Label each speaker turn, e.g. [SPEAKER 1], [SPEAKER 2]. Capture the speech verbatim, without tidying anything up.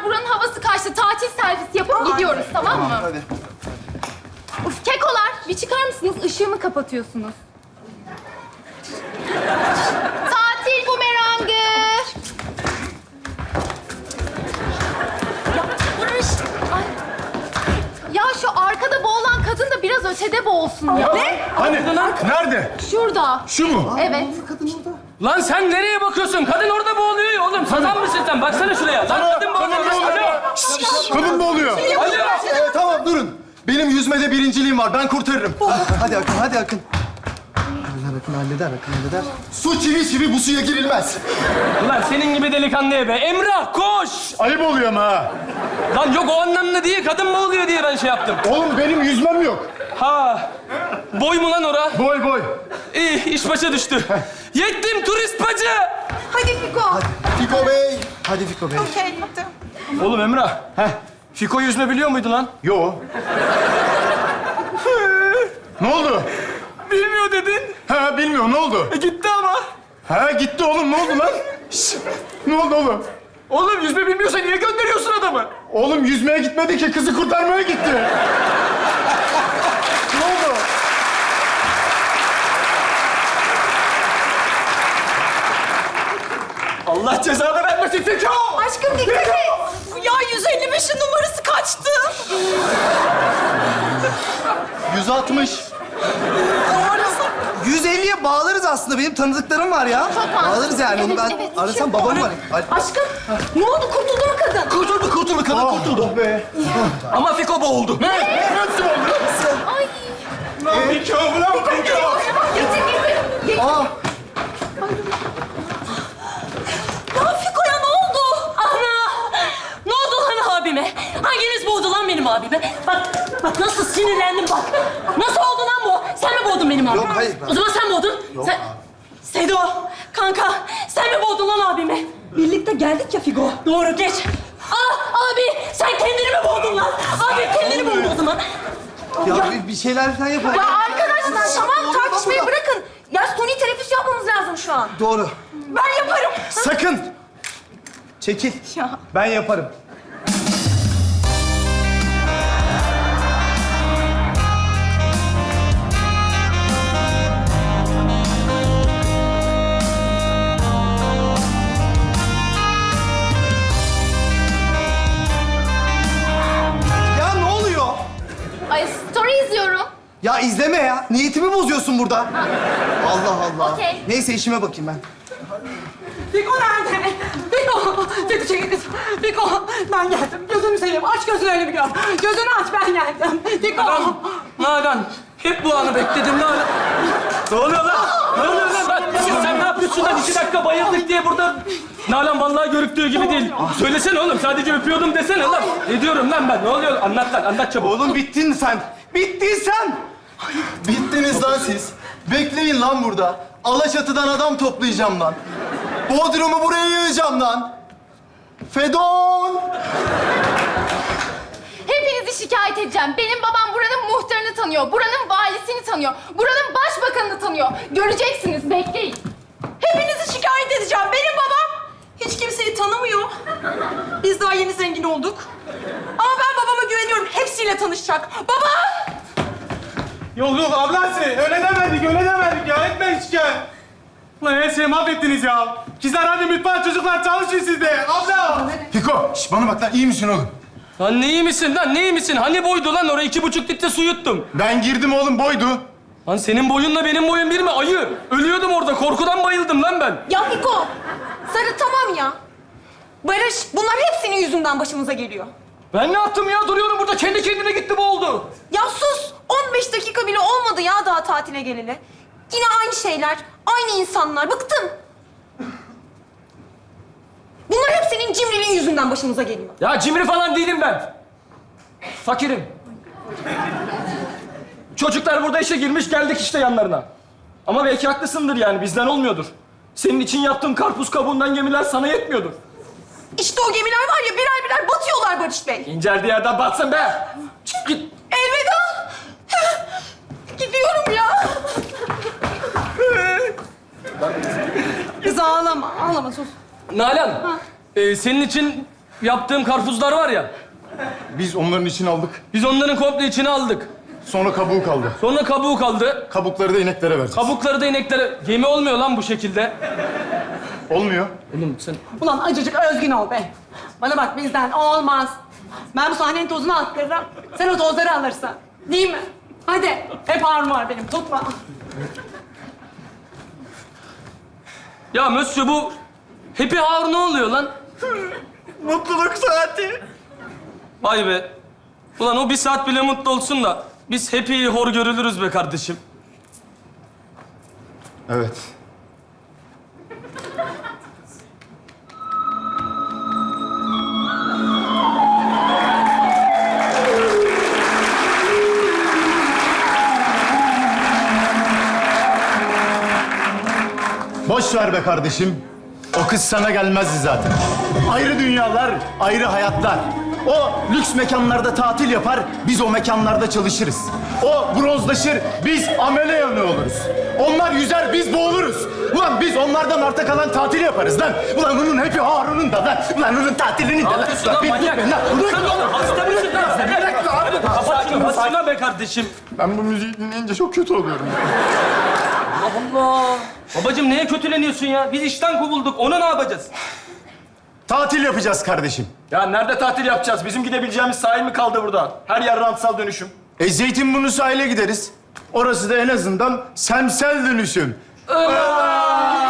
[SPEAKER 1] kızlar buranın havası kaçtı. Tatil servisi yapıp gidiyoruz, tamam mı?
[SPEAKER 2] Hadi.
[SPEAKER 1] Uf, kekolar bir çıkar mısınız? Işığımı kapatıyorsunuz. Tatil bumerangı. Ya Barış. Ay. Ya şu arkada boğulan kadın da biraz ötede boğulsun ya.
[SPEAKER 3] Ne? Hani? Nerede?
[SPEAKER 1] Şurada.
[SPEAKER 3] Şu mu?
[SPEAKER 1] Evet.
[SPEAKER 4] Lan sen nereye bakıyorsun? Kadın orada boğuluyor ya oğlum. Sazan mısın sen? Baksana şuraya. Lan kadın boğuluyor. Alo.
[SPEAKER 3] Kadın mı oluyor?
[SPEAKER 4] Alo.
[SPEAKER 2] Ee, tamam durun. Benim yüzmede birinciliğim var. Ben kurtarırım. Hadi Akın, hadi Akın. Halleder Akın, halleder Akın, halleder. Su çivi çivi bu suya girilmez.
[SPEAKER 4] Ulan senin gibi delikanlıya be. Emrah koş.
[SPEAKER 3] Ayıp oluyor ama ha.
[SPEAKER 4] Lan yok o anlamda değil. Kadın boğuluyor diye ben şey yaptım.
[SPEAKER 3] Oğlum benim yüzmem yok.
[SPEAKER 4] Ha. Boy mu lan ora?
[SPEAKER 3] Boy boy.
[SPEAKER 4] İyi iş başa düştü. Yettim turist bacı.
[SPEAKER 5] Hadi Fiko.
[SPEAKER 2] Hadi Fiko Bey. Hadi Fiko Bey.
[SPEAKER 5] Okey, hadi.
[SPEAKER 4] Oğlum Emrah. Heh. Fiko yüzme biliyor muydu lan?
[SPEAKER 3] Yo. Ne oldu?
[SPEAKER 4] Bilmiyor dedin.
[SPEAKER 3] Ha bilmiyorum ne oldu?
[SPEAKER 4] E gitti ama.
[SPEAKER 3] Ha gitti oğlum ne oldu lan? Şş, ne oldu oğlum?
[SPEAKER 4] Oğlum yüzme bilmiyorsa niye gönderiyorsun adamı?
[SPEAKER 3] Oğlum yüzmeye gitmedi ki kızı kurtarmaya gitti. Ne oldu?
[SPEAKER 4] Allah cezanı vermesin Fiko.
[SPEAKER 5] Aşkım dikkat et. Ya yüz elli beşin numarası kaçtı?
[SPEAKER 2] yüz altmış. yüz elliye bağlarız aslında. Benim tanıdıklarım var ya.
[SPEAKER 1] Çok
[SPEAKER 2] Bağlarız yani. Onu
[SPEAKER 1] Evet,
[SPEAKER 2] ben
[SPEAKER 1] evet.
[SPEAKER 2] arasam babam var. Hadi.
[SPEAKER 5] Aşkım, ne oldu? Kurtuldu mu kadın?
[SPEAKER 2] Kurtuldu, kurtuldu. Kadın kurtuldu.
[SPEAKER 3] Oh be.
[SPEAKER 4] Ama Fiko boğuldu.
[SPEAKER 3] Nasıl oldu?
[SPEAKER 1] Ay.
[SPEAKER 3] Fiko ulan Fiko.
[SPEAKER 5] Getir, getir.
[SPEAKER 2] Aa,
[SPEAKER 5] Ya Fiko ya ne oldu?
[SPEAKER 6] Ana! Ne oldu lan abime? Hanginiz boğdu lan benim abime? Bak, bak nasıl sinirlendim bak. Nasıl oldu lan bu? Sen mi boğdun benim abimi?
[SPEAKER 2] Yok, hayır.
[SPEAKER 6] O zaman sen boğdun.
[SPEAKER 2] Yok
[SPEAKER 6] sen...
[SPEAKER 2] abi.
[SPEAKER 6] Sedo, kanka sen mi boğdun lan abimi? Birlikte geldik ya Figo. Doğru, geç. Ah abi, sen kendini mi boğdun lan? Abi kendini boğdu o zaman.
[SPEAKER 2] ya bir, bir şeyler falan yapalım.
[SPEAKER 5] Ya arkadaşlar tamam
[SPEAKER 2] Oldu,
[SPEAKER 5] tartışmayı
[SPEAKER 2] oldu.
[SPEAKER 5] bırakın. Ya suni teneffüs yapmamız lazım şu an.
[SPEAKER 2] Doğru.
[SPEAKER 5] Ben yaparım.
[SPEAKER 2] Sakın. Çekil.
[SPEAKER 5] Ya.
[SPEAKER 2] Ben yaparım. Ya ne oluyor?
[SPEAKER 1] Ay story izliyorum.
[SPEAKER 2] Ya izleme ya. Niyetimi bozuyorsun burada. Allah Allah.
[SPEAKER 1] Okey.
[SPEAKER 2] Neyse işime bakayım ben.
[SPEAKER 6] Fiko nerede? Fiko! Fiko çekil kız. Fiko, ben geldim. Gözünü seveyim. Aç gözlerini bir gör. Gözünü aç, ben geldim. Fiko!
[SPEAKER 4] Nalan, Nalan. Hep bu anı bekledim Nalan. Ne oluyor lan? Ne oluyor lan? Bak, sen ne yapıyorsun lan? İki dakika bayıldık diye burada... Nalan vallahi görüktüğü gibi değil. Söylesene oğlum, sadece öpüyordum desene lan. Ne diyorum lan ben? Ne oluyor? Anlat lan, anlat çabuk.
[SPEAKER 2] Oğlum bittin sen. Bittin sen. Bittiniz lan siz. Bekleyin lan burada. Alaçatı'dan adam toplayacağım lan. Bodrum'u buraya yığacağım lan. Fedon!
[SPEAKER 1] Hepinizi şikayet edeceğim. Benim babam buranın muhtarını tanıyor. Buranın valisini tanıyor. Buranın başbakanını tanıyor. Göreceksiniz, bekleyin.
[SPEAKER 5] Hepinizi şikayet edeceğim. Benim babam hiç kimseyi tanımıyor. Biz daha yeni zengin olduk. Ama ben babama güveniyorum. Hepsiyle tanışacak. Baba!
[SPEAKER 7] Yok yok ablası öyle demedik öyle demedik ya etme hiç gel. Lan her şeyi mahvettiniz ya. Kızlar hadi mutfağa çocuklar çalışın siz de. Abla.
[SPEAKER 3] Fiko, şş, bana bak lan iyi misin oğlum?
[SPEAKER 4] Lan ne iyi misin lan, ne iyi misin? Hani boydu lan? Oraya iki buçuk litre su yuttum.
[SPEAKER 3] Ben girdim oğlum boydu.
[SPEAKER 4] Lan senin boyunla benim boyum bir mi? Ayı. Ölüyordum orada. Korkudan bayıldım lan ben.
[SPEAKER 5] Ya Fiko! Sarı tamam ya. Barış, bunlar hepsinin yüzünden başımıza geliyor.
[SPEAKER 4] Ben ne yaptım ya? Duruyorum burada. Kendi kendine gitti boğuldu.
[SPEAKER 5] Ya sus! on beş dakika bile olmadı ya daha tatile geleli. Yine aynı şeyler, aynı insanlar. Bıktım. Bunlar hep senin cimriliğin yüzünden başımıza geliyor.
[SPEAKER 4] Ya cimri falan değilim ben. Fakirim. Çocuklar burada işe girmiş, geldik işte yanlarına. Ama belki haklısındır yani, bizden olmuyordur. Senin için yaptığım karpuz kabuğundan gemiler sana yetmiyordur.
[SPEAKER 5] İşte o gemiler var ya birer birer batıyorlar Barış Bey.
[SPEAKER 4] İnceldiği yerden batsın be. Çık git.
[SPEAKER 5] Elveda. Gidiyorum ya. Kız ağlama, ağlama sus.
[SPEAKER 4] Nalan, e, senin için yaptığım karpuzlar var ya.
[SPEAKER 3] Biz onların için aldık.
[SPEAKER 4] Biz onların komple içine aldık.
[SPEAKER 3] Sonra kabuğu kaldı.
[SPEAKER 4] Sonra kabuğu kaldı.
[SPEAKER 3] Kabukları da ineklere vereceğiz.
[SPEAKER 4] Kabukları da ineklere... Yemi olmuyor lan bu şekilde.
[SPEAKER 3] Olmuyor.
[SPEAKER 4] Oğlum sen...
[SPEAKER 5] Ulan acıcık özgün ol be. Bana bak bizden olmaz. Ben bu sahnenin tozunu attırırım. Sen o tozları alırsın. Değil mi? Hadi. Hep ağrım var benim. Tutma.
[SPEAKER 4] Ya Mösyö bu... Happy Hour ne oluyor lan?
[SPEAKER 2] Mutluluk saati.
[SPEAKER 4] Vay be. Ulan o bir saat bile mutlu olsun da... Biz Happy'yi hor görülürüz be kardeşim.
[SPEAKER 3] Evet. Boş ver be kardeşim. O kız sana gelmezdi zaten. Ayrı dünyalar, ayrı hayatlar. O lüks mekanlarda tatil yapar, biz o mekanlarda çalışırız. O bronzlaşır, biz amele yanı oluruz. Onlar yüzer, biz boğuluruz. Ulan biz onlardan arta kalan tatil yaparız lan. Ulan onun hepi Harun'un da lan. Ulan onun tatilinin de lan.
[SPEAKER 4] yapıyorsun lan
[SPEAKER 3] bir
[SPEAKER 4] manyak?
[SPEAKER 3] dur be lan. Bırak
[SPEAKER 4] Sen oğlum hasta mısın lan sen?
[SPEAKER 3] Bırak lan abi.
[SPEAKER 4] Kapat şunu, kapat şunu be kardeşim.
[SPEAKER 3] Ben bu müziği dinleyince çok kötü oluyorum.
[SPEAKER 4] Allah! Babacığım neye kötüleniyorsun ya? Biz işten kovulduk. Onu ne yapacağız?
[SPEAKER 3] Tatil yapacağız kardeşim.
[SPEAKER 2] Ya nerede tatil yapacağız? Bizim gidebileceğimiz sahil mi kaldı burada? Her yer rantsal dönüşüm.
[SPEAKER 3] E Zeytinburnu sahile gideriz. Orası da en azından semsel dönüşüm.
[SPEAKER 4] Aa!